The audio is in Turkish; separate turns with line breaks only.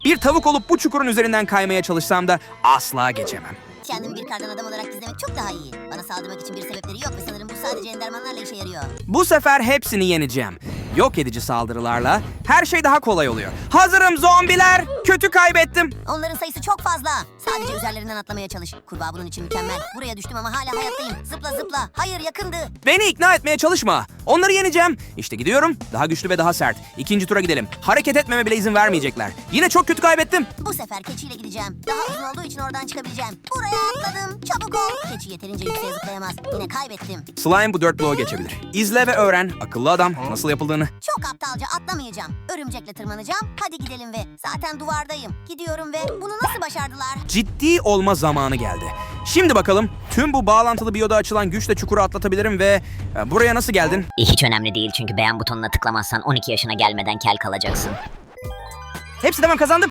Bir tavuk olup bu çukurun üzerinden kaymaya çalışsam da asla geçemem.
Kendimi bir kardan adam olarak gizlemek çok daha iyi. Bana saldırmak için bir sebepleri yok ve sanırım bu sadece endermanlarla işe yarıyor.
Bu sefer hepsini yeneceğim. Yok edici saldırılarla her şey daha kolay oluyor. Hazırım zombiler. Kötü kaybettim.
Onların sayısı çok fazla. Sadece üzerlerinden atlamaya çalış. Kurbağa bunun için mükemmel. Buraya düştüm ama hala hayattayım. Zıpla zıpla. Hayır, yakındı.
Beni ikna etmeye çalışma. Onları yeneceğim. İşte gidiyorum. Daha güçlü ve daha sert. İkinci tura gidelim. Hareket etmeme bile izin vermeyecekler. Yine çok kötü kaybettim.
Bu sefer keçiyle gideceğim. Daha uzun olduğu için oradan çıkabileceğim. Buraya atladım. Çabuk ol. Keçi yeterince yükseğe zıplayamaz. Yine kaybettim.
Slime bu 4 bloğu geçebilir. İzle ve öğren. Akıllı adam nasıl yapıldığını.
Çok aptalca atlamayacağım. Örümcekle tırmanacağım. Hadi gidelim ve zaten duvardayım. Gidiyorum ve bunu nasıl başardılar?
Ciddi olma zamanı geldi. Şimdi bakalım tüm bu bağlantılı biyoda açılan güçle çukuru atlatabilirim ve buraya nasıl geldin?
Hiç önemli değil çünkü beğen butonuna tıklamazsan 12 yaşına gelmeden kel kalacaksın.
Hepsi de ben kazandım.